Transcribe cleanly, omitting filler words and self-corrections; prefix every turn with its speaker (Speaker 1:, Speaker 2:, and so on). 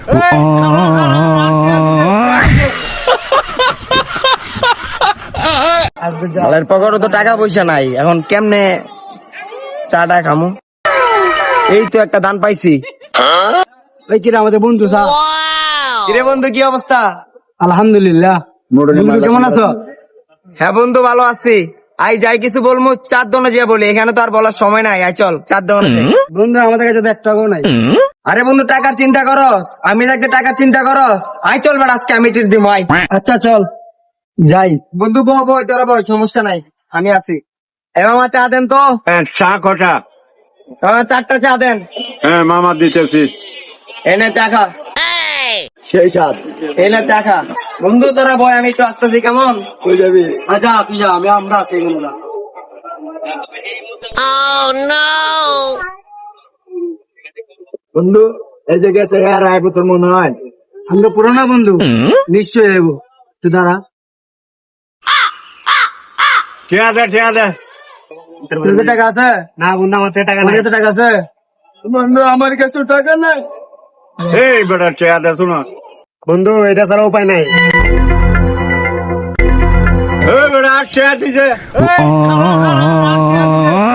Speaker 1: মালের পকেটে তো টাকা পয়সা নাই, এখন কেমনে চাটা খামু? এই তো একটা দান পাইছি।
Speaker 2: ওই কিরে আমাদের বন্ধু সা।
Speaker 1: কিরে বন্ধু, কি অবস্থা?
Speaker 2: আলহামদুলিল্লাহ। বন্ধু কেমন আছো?
Speaker 1: হ্যাঁ বন্ধু, ভালো আছি। আই যাই কিছু বলবো চার দোকানে যে বলি, এখানে তো আর বলার সময় নাই। আই চল চার দোকানে।
Speaker 2: বন্ধু আমাদের কাছে তো 1 টাকাও নাই।
Speaker 1: আরে বন্ধু, টাকার চিন্তা করো, আমি থাকতে টাকার চিন্তা করো। আই চল বেড়া, আজকে আমি টির দিব। আই
Speaker 2: আচ্ছা চল যাই।
Speaker 1: বন্ধু বই তোরা বই, সমস্যা নাই, আমি আছি। এবার আমার চা দেন তো।
Speaker 3: চা কটা?
Speaker 1: 4টা চা দেন।
Speaker 3: হ্যাঁ মামা দিতেছি।
Speaker 1: এনে চা খা।
Speaker 2: সেই সাথ
Speaker 1: এনে চা খা। বন্ধু তোরা বই, আমি একটু আসতেছি, কেমন?
Speaker 2: কই যাবি? আচ্ছা তুই যা, আমরা আছি এখানে না।
Speaker 1: বন্ধু এই যে গেছে, আর আইবো তোর মনে হয়?
Speaker 2: আমরা পুরোনো বন্ধু, নিশ্চয়ই এবো। তুই দাঁড়া।
Speaker 3: ঠিক আছে ঠিক আছে।
Speaker 2: তোর কাছে টাকা আছে?
Speaker 1: না বন্ধু, আমার তো টাকা
Speaker 2: আমার
Speaker 1: নাই।
Speaker 2: কাছে টাকা আছে?
Speaker 1: বন্ধু আমার কাছে টাকা নাই।
Speaker 3: এই বেটা ঠিক আছে, শোনো
Speaker 1: বন্ধু, এটা ছাড়া উপায় নাই।
Speaker 3: এই বেটা ঠিক আছে।